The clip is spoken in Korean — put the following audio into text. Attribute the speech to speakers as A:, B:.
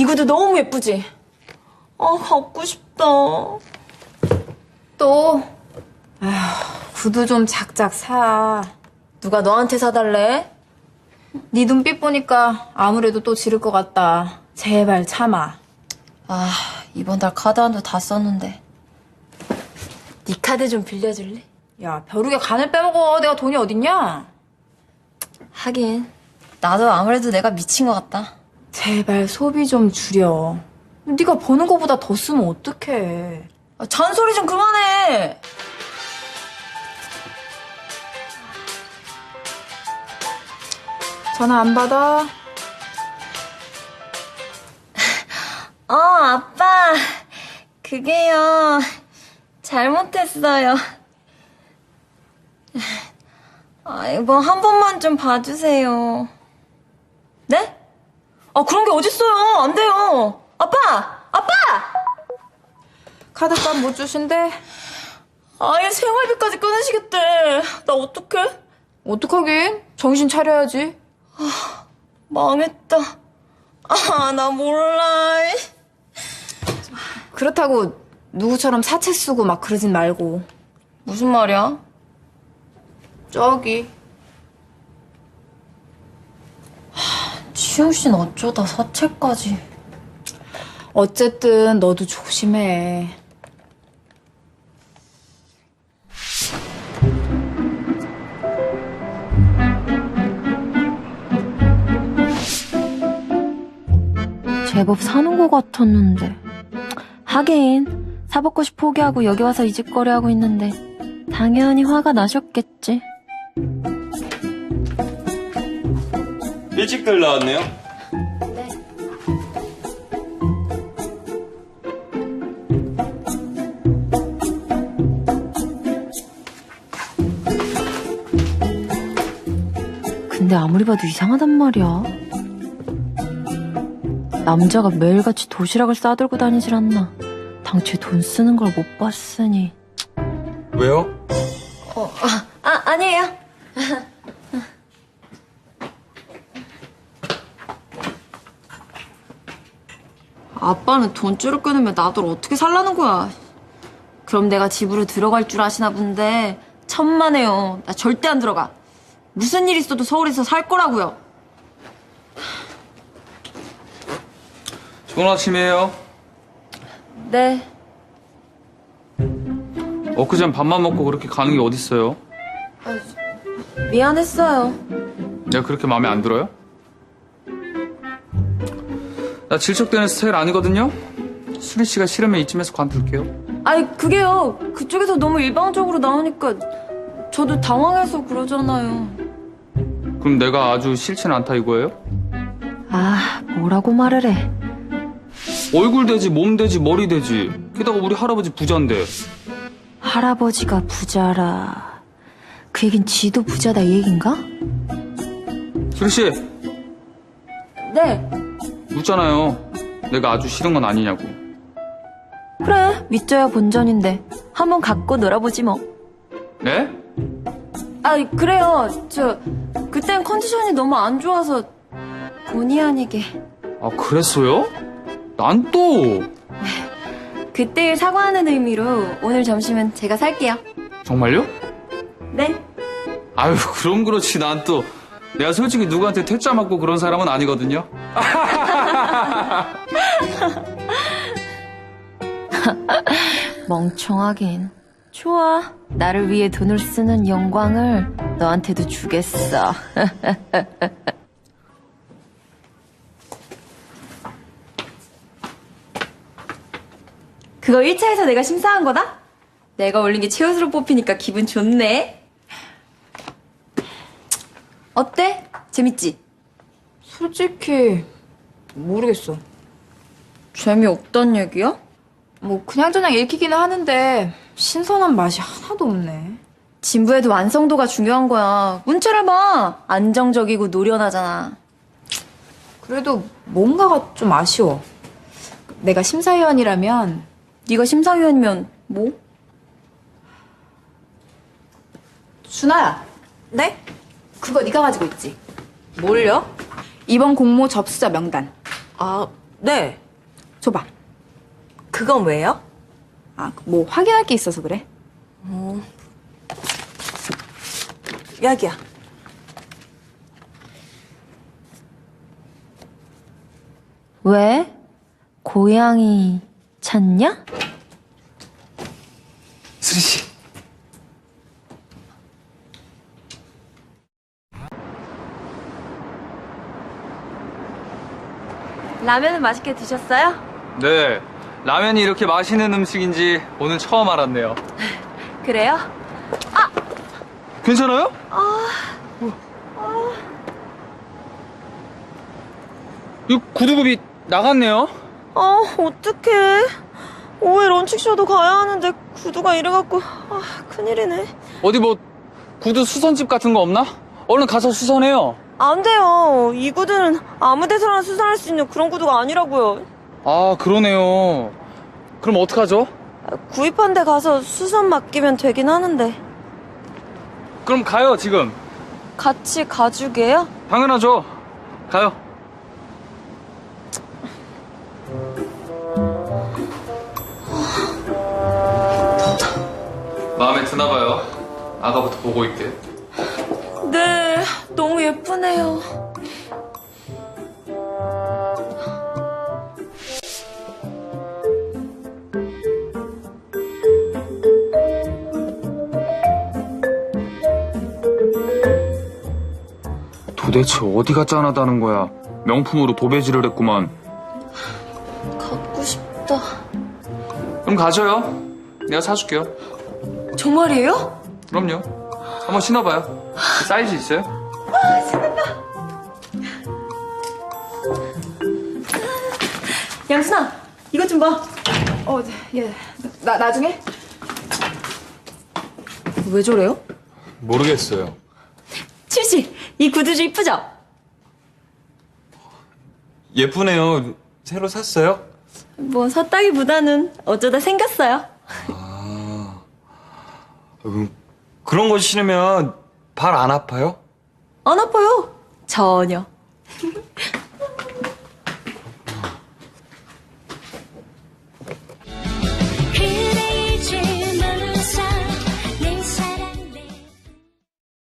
A: 구두 너무 예쁘지? 아, 갖고 싶다.
B: 또 아휴, 구두 좀 작작 사.
A: 누가 너한테 사달래?
B: 네 눈빛 보니까 아무래도 또 지를 것 같다. 제발 참아.
A: 아, 이번 달 카드 한도 다 썼는데. 네 카드 좀 빌려줄래?
B: 야, 벼룩에 간을 빼먹어. 내가 돈이 어딨냐?
A: 하긴 나도 아무래도 내가 미친 것 같다.
B: 제발 소비 좀 줄여. 네가 버는 거보다 더 쓰면 어떡해.
A: 아, 잔소리 좀 그만해.
B: 전화 안 받아?
A: 아빠. 그게요. 잘못했어요. 이거 한 번만 좀 봐주세요. 네? 아, 그런 게 어딨어요. 안 돼요. 아빠! 아빠!
B: 카드값 못 주신대?
A: 아예 생활비까지 끊으시겠대. 나 어떡해?
B: 어떡하긴? 정신 차려야지.
A: 망했다. 나 몰라.
B: 그렇다고 누구처럼 사채 쓰고 막 그러진 말고.
A: 무슨 말이야?
B: 저기.
A: 지영 씨는 어쩌다 사채까지.
B: 어쨌든 너도 조심해.
C: 제법 사는 것 같았는데. 하긴 사법고시 포기하고 여기 와서 이 집 거래하고 있는데 당연히 화가 나셨겠지.
D: 일찍들 나왔네요.
C: 근데 아무리 봐도 이상하단 말이야. 남자가 매일같이 도시락을 싸들고 다니질 않나. 당최 돈 쓰는 걸 못 봤으니.
D: 왜요?
A: 아니에요. 아빠는 돈줄을 끊으면 나들 어떻게 살라는 거야. 그럼 내가 집으로 들어갈 줄 아시나 본데 천만에요. 나 절대 안 들어가. 무슨 일 있어도 서울에서 살 거라고요.
D: 좋은 아침이에요.
A: 네.
D: 엊그젠 밥만 먹고 그렇게 가는 게 어딨어요?
A: 미안했어요.
D: 내가 그렇게 마음에 안 들어요? 나 질척대는 스타일 아니거든요? 수리 씨가 싫으면 이쯤에서 관둘게요.
A: 아니 그게요. 그쪽에서 너무 일방적으로 나오니까 저도 당황해서 그러잖아요.
D: 그럼 내가 아주 싫진 않다 이거예요?
C: 아, 뭐라고 말을 해.
D: 얼굴 되지, 몸 되지, 머리 되지. 게다가 우리 할아버지 부자인데.
C: 할아버지가 부자라. 그 얘긴 지도 부자다 이 얘긴가?
D: 수리 씨,
A: 네.
D: 묻잖아요. 내가 아주 싫은 건 아니냐고.
C: 그래, 믿져야 본전인데 한번 갖고 놀아보지 뭐.
D: 네?
A: 그래요. 그땐 컨디션이 너무 안 좋아서 본의 아니게.
D: 아, 그랬어요? 난 또.
A: 그때 일 사과하는 의미로 오늘 점심은 제가 살게요.
D: 정말요?
A: 네.
D: 아유, 그럼 그렇지. 난 또. 내가 솔직히 누구한테 퇴짜 맞고 그런 사람은 아니거든요.
C: 멍청하긴. 좋아. 나를 위해 돈을 쓰는 영광을 너한테도 주겠어.
A: 그거 1차에서 내가 심사한 거다? 내가 올린 게 최우수로 뽑히니까 기분 좋네. 어때? 재밌지?
B: 솔직히 모르겠어.
A: 재미없단 얘기야?
B: 뭐 그냥저냥 읽히기는 하는데 신선한 맛이 하나도 없네.
A: 진부에도 완성도가 중요한 거야. 문체를 봐. 안정적이고 노련하잖아.
B: 그래도 뭔가가 좀 아쉬워. 내가 심사위원이라면
A: 네가 심사위원이면 뭐?
B: 준아야.
A: 네?
B: 그거 네가 가지고 있지?
A: 뭘요?
B: 이번 공모 접수자 명단.
A: 아,
B: 네. 줘봐. 그건 왜요?
A: 아, 뭐 확인할 게 있어서 그래.
B: 여기야.
C: 왜? 고양이 찾냐?
D: 수리 씨.
A: 라면은 맛있게 드셨어요?
D: 네. 라면이 이렇게 맛있는 음식인지 오늘 처음 알았네요.
A: 그래요?
D: 괜찮아요? 이 구두굽이 나갔네요.
A: 아, 어떡해. 오후에 런칭쇼도 가야 하는데 구두가 이래갖고 큰일이네.
D: 어디 뭐 구두 수선집 같은 거 없나? 얼른 가서 수선해요.
A: 안 돼요. 이 구두는 아무 데서나 수선할 수 있는 그런 구두가 아니라고요.
D: 아, 그러네요. 그럼 어떡하죠?
A: 구입한 데 가서 수선 맡기면 되긴 하는데.
D: 그럼 가요, 지금.
A: 같이 가주게요?
D: 당연하죠. 가요. 마음에 드나 봐요. 아까부터 보고 있게.
A: 네, 너무 예쁘네요.
D: 도대체 어디가 짠하다는 거야? 명품으로 도배질을 했구만.
A: 갖고 싶다.
D: 그럼 가져요. 내가 사줄게요.
A: 정말이에요?
D: 그럼요. 한번 신어봐요. 사이즈 있어요?
A: 양순아, 이것 좀 봐. 예. 나중에? 왜 저래요?
D: 모르겠어요.
A: 칠씨, 이 구두주 이쁘죠?
E: 예쁘네요. 새로 샀어요?
A: 뭐 샀다기보다는 어쩌다 생겼어요.
E: 그런 거 신으면 발 안 아파요?
A: 안 아파요. 전혀.